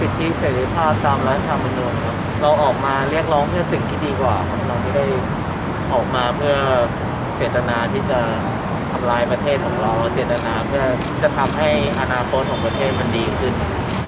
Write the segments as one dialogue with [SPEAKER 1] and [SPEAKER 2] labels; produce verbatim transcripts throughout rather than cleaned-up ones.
[SPEAKER 1] สิทธิเสรีภาพตามรัฐธรรมนูญครับเราออกมาเรียกร้องเพื่อสิ่งที่ดีกว่าครับเราไม่ได้ออกมาเพื่อเจตนาที่จะทำลายประเทศของเราเจตนาเพื่อจะทำให้อนาคตของประเทศมันดีขึ้น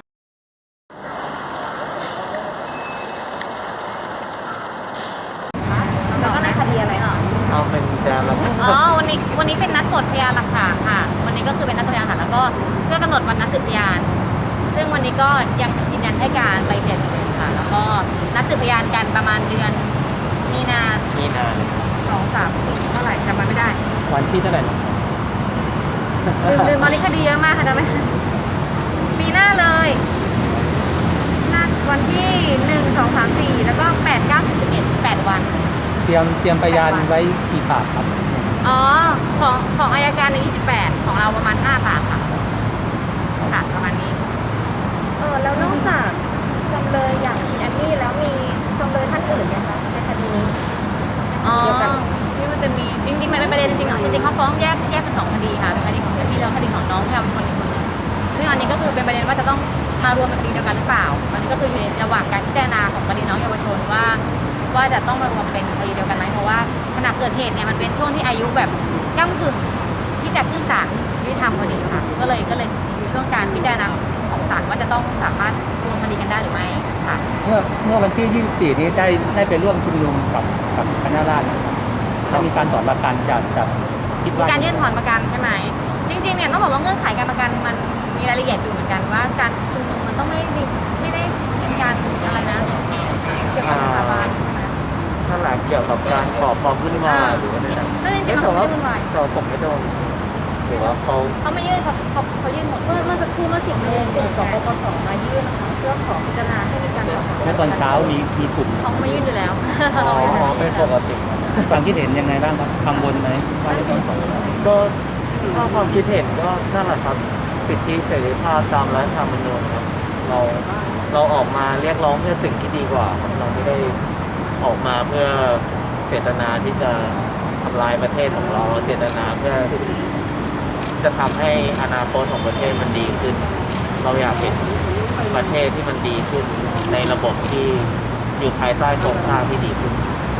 [SPEAKER 2] แล้วก็ในคดีอะไรเหรอ
[SPEAKER 1] เอาเป็นจะละ
[SPEAKER 2] อ๋อวันนี้วันนี้เป็นนัดตรวจพยานหลักฐานค่ะวันนี้ก็คือเป็นนัดตรวจพยานหลักฐานแล้วก็เพื่อกำหนดวันนัดสืบพยานซึ่งวันนี้ก็ยังยืนยันให้การไปเสร็จเลยค่ะแล้วก็นัดสืบพยานกันประมาณเดือนมีนา
[SPEAKER 1] มีนา
[SPEAKER 2] สองสามสี่เท่าไหร่จำมันไม่ได้
[SPEAKER 1] วันที่เท่าไหร่
[SPEAKER 2] ลืมลืมวันนี้คดีเยอะมากค่ะจำไม่ปีหน้าเลยนัดวันที่หนึ่งสองสามสี่แล้วก็แปดเก้าสิบเอ็ดแปดวัน
[SPEAKER 1] เตรียมเตรียมพยานไว้กี่ปากครับ
[SPEAKER 2] อ๋อของของอัยการในยี่สิบแปดของเราประมาณห้าปากค่ะค่ะประมาณนี้
[SPEAKER 3] เออแล้วนอกจากจำเลยอย่างคุณแอมมี่แล้วมีจำเลยท่านอื่นไหมคะในคดีนี้
[SPEAKER 2] อ๋อที่มันจะมีจริงๆมันเป็นประเด็นจริงๆของจริงๆเขาฟ้องแยกแยกเป็นสองคดีค่ะเป็นคดีของแอมมี่แล้วคดีของน้องที่ทำคนอีกคนหนึ่งซึ่งอันนี้ก็คือเป็นประเด็นว่าจะต้องมารวมเป็นคดีเดียวกันหรือเปล่าอันนี้ก็คืออยู่ในระหว่างการพิจารณาของคดีน้องเยาวชนว่าว่าจะต้องมารวมเป็นคดีเดียวกันไหมเพราะว่าขณะเกิดเหตุเนี่ยมันเป็นช่วงที่อายุแบบก้ากึ่งที่จะขึ้นศาลยุติธรรมพอดีค่ะก็เลยก็เลยอยู่ช่วงการพิจารณาของศาลว่าจะต้องสามารถรวมคดีกันได้หรือไม่ค่ะ
[SPEAKER 1] เมื่อเมื่อวันที่ยี่สิบสี่นี้ได้ได้ไปร่วมชุมนุมกับกับคณะราษฎรถ้ามีการถอนประกันจากจาก
[SPEAKER 2] คิดว่าการยื่นถอนประกันใช่ไหมจริงๆเนี่ยต้องบอกว่าเงื่อนไขการประกันมันมีรายละเอียดอยู่เหมือนกันว่าการชุมนุมมันต้องไม่ไม่ได้เป็นการอะไรนะเกี่ยวกับสถาบัน
[SPEAKER 1] ถ้าหลังเกี่ยวกับการก่อความวุ่นวายหรือว่าอะไร
[SPEAKER 2] ซึ่งจริงๆมันไม่วุ่นวาย
[SPEAKER 1] เราผมไม่โดนหรือว่าเขา
[SPEAKER 2] เขาไม่ยื่นเขาเขาเขายื่นหมด
[SPEAKER 3] เมื่อเมื่อสักครู่เมื่อสิบโมงกลุ่มสปปสมายื่นนะคะเพื่อขอพิจารณาให้มีการถอน
[SPEAKER 1] เมื่อตอนเช้ามีมีกลุ่ม
[SPEAKER 2] เขาไม่ยื่นอยู่แล้ว
[SPEAKER 1] อ๋อเป็นปกติความคิดเห็นยังไงบ้างครับกังวลไหมก็ถ้าความคิดเห็นก็นั่นแหละครับสิทธิเสรีภาพตามรัฐธรรมนูญครับเราเราออกมาเรียกร้องเพื่อสิ่งที่ดีกว่าครับเราไม่ได้ออกมาเพื่อเจตนาที่จะทำลายประเทศของเราเจตนาเพื่อจะทำให้อนาคตของประเทศมันดีขึ้นเราอยากเห็นประเทศที่มันดีขึ้นในระบบที่อยู่ภายใต้โครงสร้างที่ดีขึ้น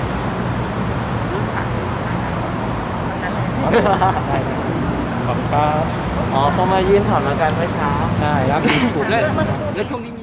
[SPEAKER 1] ขอบคุณครับอ๋อเขามายื่นถอนประกันเมื่อเช้าใช่ครับมีกลุ่มแล้วแล้วช่วงนี้